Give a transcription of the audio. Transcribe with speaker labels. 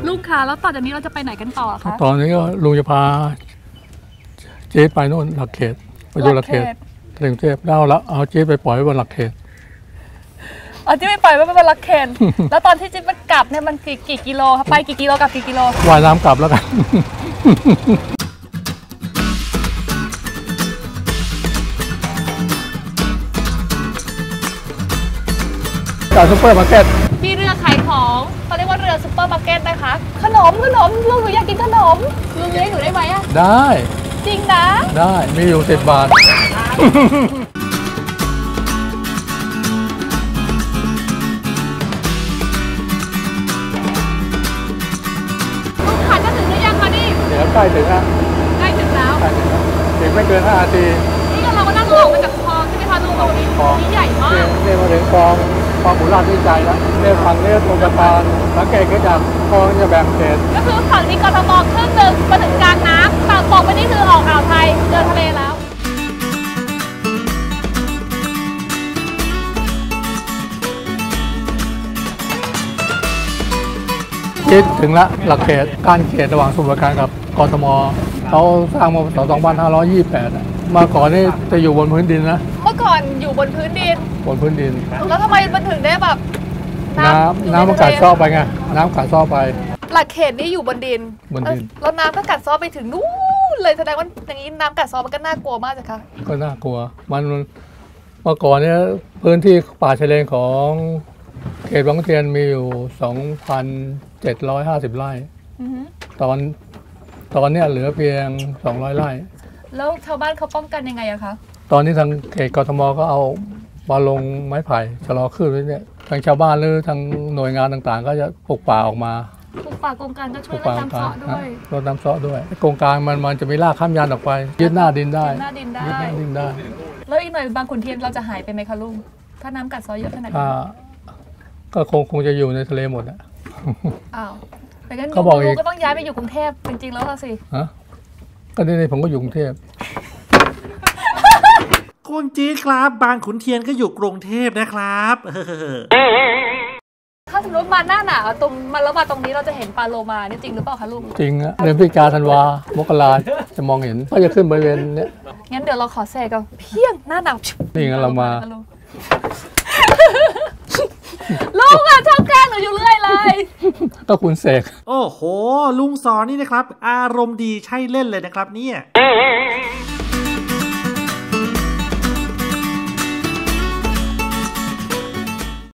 Speaker 1: ลูกค้าแล้วต่อจากนี้เราจะไปไหนกันต่อคะ
Speaker 2: ตอนนี้ก็ลุงจะพาเจ๊ไปโน่นหลักเขตไปดูหลักเขตถึงเทพแล้วเอาเจ๊ไปปล่อยไว้บนหลักเขต
Speaker 1: เจ๊ไปปล่อยไว้บนหลักเขตแล้วตอนที่เจ๊มันกลับเนี่ยมันกี่กิโลครับไปกี่กิโลกับกี่กิโล
Speaker 2: ว่ายน้ำกลับแล้วกันจากซุปเปอร์มาร์เก็ต
Speaker 1: มีเรือขายของเขาเรียกว่าเรือซุปเปอร์มาร์เก็ตนะคะขนมลุงหนูอยากกินขนมลุงเลี้ยงหนูได้ไหมอะ
Speaker 2: ได้
Speaker 1: จริงนะ
Speaker 2: ได้มีอยู่10 บาท
Speaker 1: ลุงขาจะถึงหรือยังคะนี่
Speaker 2: เดี๋ยวใกล้ถึงแล้ว
Speaker 1: ใกล้ถึงแล้ว
Speaker 2: ถึงไม่เกิน5 นาที
Speaker 1: นี่เราก็นั่งออกมาจากคลองใช่ไหมคะลุงตรงนี้ใหญ่มาก
Speaker 2: เนี่ยมาถึงคลองบุราษฎร์วิจัยแล้วเนี่ยฝั่งนี้ตรงสะพานสังเกตก็จากคลองจะแบ่งเขต
Speaker 1: ก็คือฝั่งนี้กทมครึ่งหนึ่งมาถึงกลางน้ำฝั่งตกไปนี่คือออกอ่าวไทยเดินทะเลแล้ว
Speaker 2: คิดถึงละหลักเขตการเขตระหว่างสมุทรปราการกับกทมเขาสร้างมาปี2528มาก่อนนี่จะอยู่บนพื้นดินนะ
Speaker 1: เมื่อก่อนอยู่บนพื้นดินแล้วทำไมมันถึงได้แบบ
Speaker 2: น้ำมันกัดซ้อไปไงน้ำกัดซ้อไป
Speaker 1: หลักเขตนี่อยู่บนดินแล้วน้ำก็กัดซ้อไปถึงนู่นเลยแสดงว่าอย่างนี้น้ำกัดซ้อมันก็น่ากลัวมากจ้ะคะ
Speaker 2: ก็น่ากลัวมันเมื่อก่อนเนี่ยพื้นที่ป่าชายเลนของเขตบางขุนเทียนมีอยู่ 2,750 ไร่ตอนนี้เหลือเพียง200 ไร่
Speaker 1: แล้วชาวบ้านเขาป้องกันยังไงอะคะ
Speaker 2: ตอนนี้ทางเขตกทมก็เอามาลงไม้ไผ่ชะลอขึ้นไว้เนี่ยทางชาวบ้านหรือทางหน่วยงานต่างๆก็จะปลูกป่าออกมา
Speaker 1: ปลูกป่าโครงการก็ช่วยลดน้ำเซาะด้วย
Speaker 2: โครงการมันจะมีรากข้ามยันออกไปยึดหน้าดินได้
Speaker 1: แล้วอีกหน่อยบางขุนเทียนเราจะหายไปไหมคะลุงถ้าน้ำกัดซ้อเยอะขนาดนี้
Speaker 2: ก็คงจะอยู่ในทะเลหมดอะ
Speaker 1: อ้าวแต่งั้นลุงก็ต้องย้ายไปอยู่กรุงเทพจริงๆแล้วสิ
Speaker 2: ก็นี่ผมก็อยู่กรุงเทพ
Speaker 3: คุณจี๊ดครับบางขุนเทียนก็อยู่กรุงเทพนะครับ
Speaker 1: ถ้าสมมติมาหน้าหนาวแล้วมาตรงนี้เราจะเห็นปลาโลมานี่จริงหรือเปล่าคะลุง
Speaker 2: จริงอะเดือนพฤศจิกาธันวามกราจะมองเห็นก็จะขึ้นบริเวณเนี้ย
Speaker 1: งั้นเดี๋ยวเราขอแทรกกันเพียงหน้าหนาว
Speaker 2: นี่งั้นเรามา
Speaker 1: ลุงอะชอบแกล้งหนูอยู่เรื่อยเลย
Speaker 2: ก็คุณเสก
Speaker 3: โอ้โหลุงสอนนี่นะครับอารมณ์ดีใช่เล่นเลยนะครับเนี่ย